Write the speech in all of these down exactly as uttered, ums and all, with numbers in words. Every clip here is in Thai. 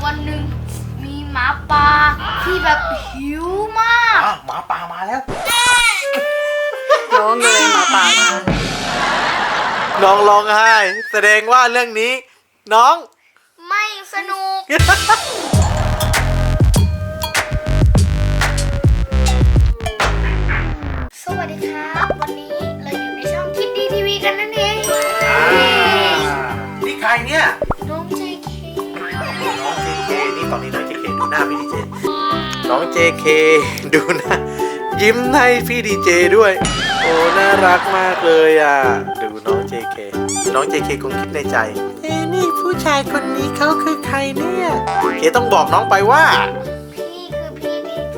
วันหนึ่งมีหมาป่าที่แบบหิวมากหมาป่ามาแล้วร้องเลยหมาป่ามาน้องร้องไห้แสดงว่าเรื่องนี้น้องไม่สนุก สวัสดีครับวันนี้เราอยู่ในช่องคิดดีทีวีกันนั่นเองนี่ใครเนี่ยน้องเจเคน้องเจเคนี่ตอนนี้น้องเจเคดูหน้าพี่ดีเจน้องเจเคดูหน้ายิ้มให้พี่ดีเจด้วยโอ้น่ารักมากเลยอ่ะดูน้องเจเคน้องเจเคคงคิดในใจเอ้นี่ผู้ชายคนนี้เขาคือใครเนี่ยเคต้องบอกน้องไปว่าพี่คือพี่ดีเจ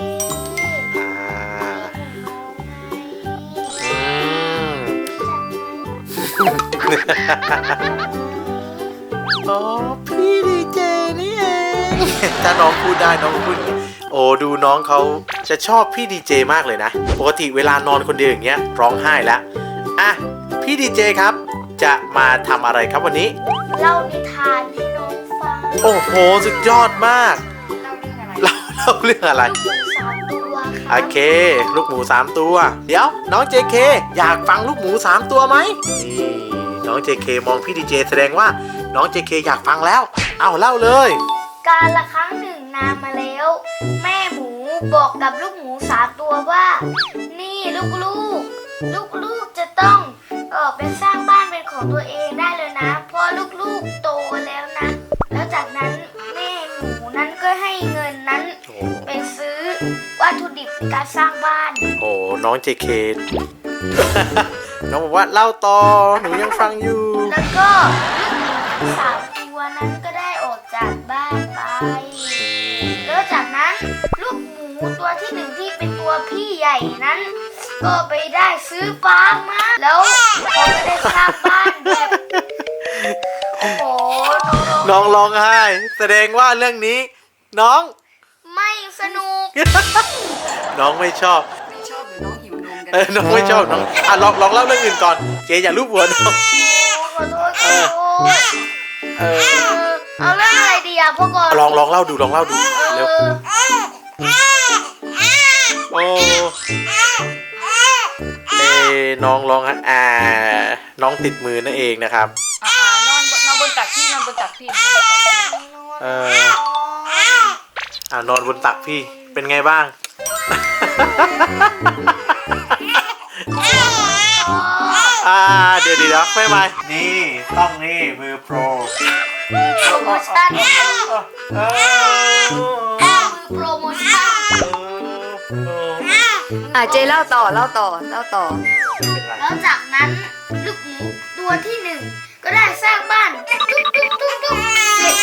อ๋อพี่ดีเจนี่เองถ้าน้องพูดได้น้องพูดโอ้ดูน้องเขาจะชอบพี่ดีเจมากเลยนะปกติเวลานอนคนเดียวอย่างเงี้ยร้องไห้แล้วอ่ะพี่ดีเจครับจะมาทำอะไรครับวันนี้เล่านิทานให้น้องฟังโอ้โหสุดยอดมากเล่าเล่าเรื่องอะไรโอเคลูกหมูสามตัวเดี๋ยวน้องเจเคอยากฟังลูกหมูสามตัวไหมนี่น้องเจเคมองพี่ดีเจแสดงว่าน้องเจเคอยากฟังแล้วเอาเล่าเลยการละครั้งหนึ่งนานมาแล้วแม่หมูบอกกับลูกหมูสามตัวว่านี่ลูกๆลูกๆจะต้องออกไปสร้างบ้านเป็นของตัวเองได้เลยนะเพราะลูกๆโตแล้วนะแล้วจากนั้นแม่หมูนั้นก็ให้เงินนั้นไปซื้อวัตถุดิบในการสร้างบ้านโอ้น้องเจเคน้องบอกว่าเล่าต่อหนูยังฟังอยู่แล้วก็ลูกหมูสามตัวนั้นก็ได้ออกจากบ้านไปแล้วจากนั้นลูกหมูตัวที่หนึ่งที่เป็นตัวพี่ใหญ่นั้นก็ไปได้ซื้อฟางมาแล้วเขาก็ได้สร้างบ้านแบบโอ้โหน้องร้องไห้แสดงว่าเรื่องนี้น้องไม่สนุกน้องไม่ชอบไม่ชอบหรือน้องหิวนมกันเออน้องไม่ชอบน้องอ่ะลองลองเล่าเรื่องอื่นก่อนเจ๊อย่าลูบหัวน้องขอโทษขอโทษเออเอาเรื่องอะไรดีอ่ะพ่อก่อนลองลองเล่าดูลองเล่าดูเร็วโอ้เอ้น้องร้องอ่าน้องติดมือนั่นเองนะครับอ่านอนนอนบนตักพี่นอนบนตักพี่เอออ่านอนบนตักพี่เป็นไงบ้างอ่าเดี๋ยวเดี๋ยวไม่ไม่นี่ต้องนี่มือโปรโปรโมชั่นโปรโมชั่นอ่ะเจเล่าต่อเล่าต่อเล่าต่อแล้วจากนั้นลูกหมูตัวที่หนึ่งก็ได้สร้างบ้านตุ๊กตุ๊กตุ๊กตุ๊กเสร็จ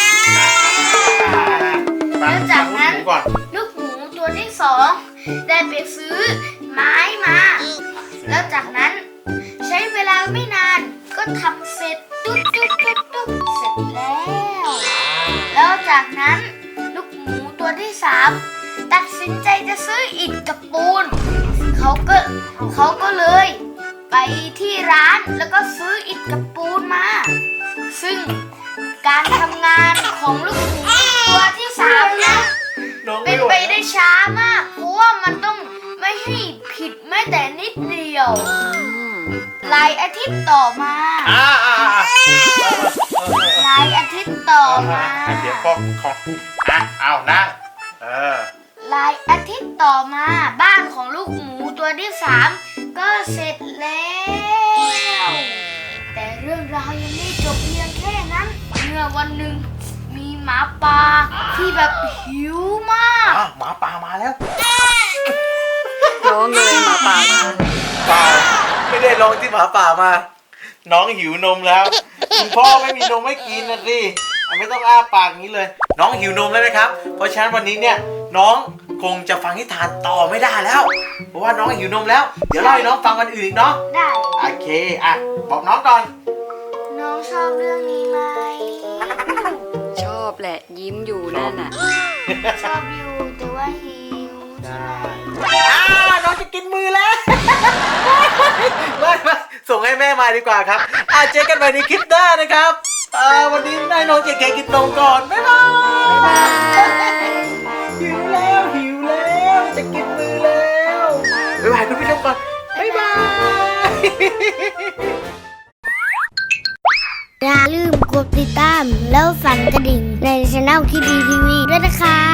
แล้วจากนั้นลูกหมูตัวที่สองได้ไปซื้อไม้มาแล้วจากนั้นใช้เวลาไม่นานก็ทำเสร็จตุ๊กตุ๊กตุ๊กตุ๊กเสร็จแล้วแล้วจากนั้นลูกหมูตัวที่สามตัดสินใจจะซื้ออิฐกับปูนเขาก็เขาก็เลยไปที่ร้านแล้วก็ซื้ออิฐกับปูนมาซึ่งการทำงานของลูกหมูตัวที่สามนะเป็นไปได้ช้ามากเพราะว่ามันต้องไม่ให้ผิดแม้แต่นิดเดียวหลายอาทิตย์ต่อมาหลายอาทิตย์ต่อมาเดี๋ยวพ่อของอ่ะเอานั่งเออหลายอาทิตย์ต่อมาบ้านของลูกหมูตัวที่สามก็เสร็จแล้วแต่เรื่องราวยังไม่จบเพียงแค่นั้นเมื่อวันหนึ่งมีหมาป่าที่แบบหิวมากหมาป่ามาแล้วร้องเลยหมาป่ามาป่าไม่ได้ร้องที่หมาป่ามาน้องหิวนมแล้วคุณพ่อไม่มีนมให้กินนะสิไม่ต้องอ้าปากนี้เลยน้องหิวนมแล้วนะครับเพราะฉะนั้นวันนี้เนี่ยน้องคงจะฟังนิทานต่อไม่ได้แล้วเพราะว่าน้องหิวนมแล้วเดี๋ยวเล่าให้น้องฟังวันอื่นอีกเนาะได้โอเคอ่ะบอกน้องก่อนน้องชอบเรื่องนี้ไหมชอบแหละยิ้มอยู่นั่นน่ะชอบอยู่แต่ว่าหิวได้อ่าน้องจะกินมือแล้วไม่ไม่ส่งให้แม่มาดีกว่าครับอ่ะเจอกันใหม่ในคลิปหน้านะครับอ่าวันนี้นายน้องเจเคกินนมก่อนบ๊ายบายติดตามแล้วสั่นกระดิ่งในช่องคิดดีทีวีด้วยนะคะ